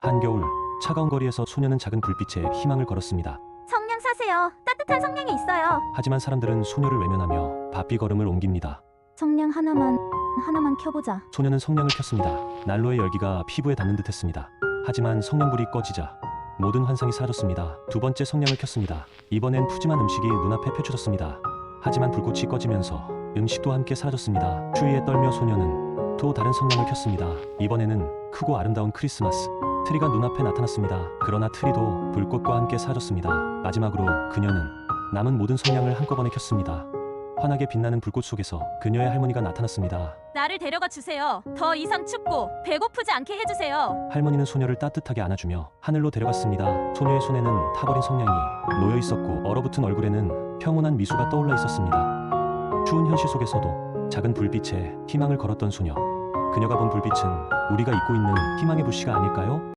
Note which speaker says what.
Speaker 1: 한겨울 차가운 거리에서 소녀는 작은 불빛에 희망을 걸었습니다.
Speaker 2: 성냥 사세요. 따뜻한 성냥이 있어요.
Speaker 1: 하지만 사람들은 소녀를 외면하며 바삐 걸음을 옮깁니다.
Speaker 2: 성냥 하나만 켜보자.
Speaker 1: 소녀는 성냥을 켰습니다. 난로의 열기가 피부에 닿는 듯했습니다. 하지만 성냥불이 꺼지자 모든 환상이 사라졌습니다. 두 번째 성냥을 켰습니다. 이번엔 푸짐한 음식이 눈앞에 펼쳐졌습니다. 하지만 불꽃이 꺼지면서 음식도 함께 사라졌습니다. 추위에 떨며 소녀는 또 다른 성냥을 켰습니다. 이번에는 크고 아름다운 크리스마스 트리가 눈앞에 나타났습니다. 그러나 트리도 불꽃과 함께 사라졌습니다. 마지막으로 그녀는 남은 모든 성냥을 한꺼번에 켰습니다. 환하게 빛나는 불꽃 속에서 그녀의 할머니가 나타났습니다.
Speaker 3: 나를 데려가 주세요. 더 이상 춥고 배고프지 않게 해주세요.
Speaker 1: 할머니는 소녀를 따뜻하게 안아주며 하늘로 데려갔습니다. 소녀의 손에는 타버린 성냥이 놓여 있었고 얼어붙은 얼굴에는 평온한 미소가 떠올라 있었습니다. 추운 현실 속에서도 작은 불빛에 희망을 걸었던 소녀. 그녀가 본 불빛은 우리가 잊고 있는 희망의 불씨가 아닐까요?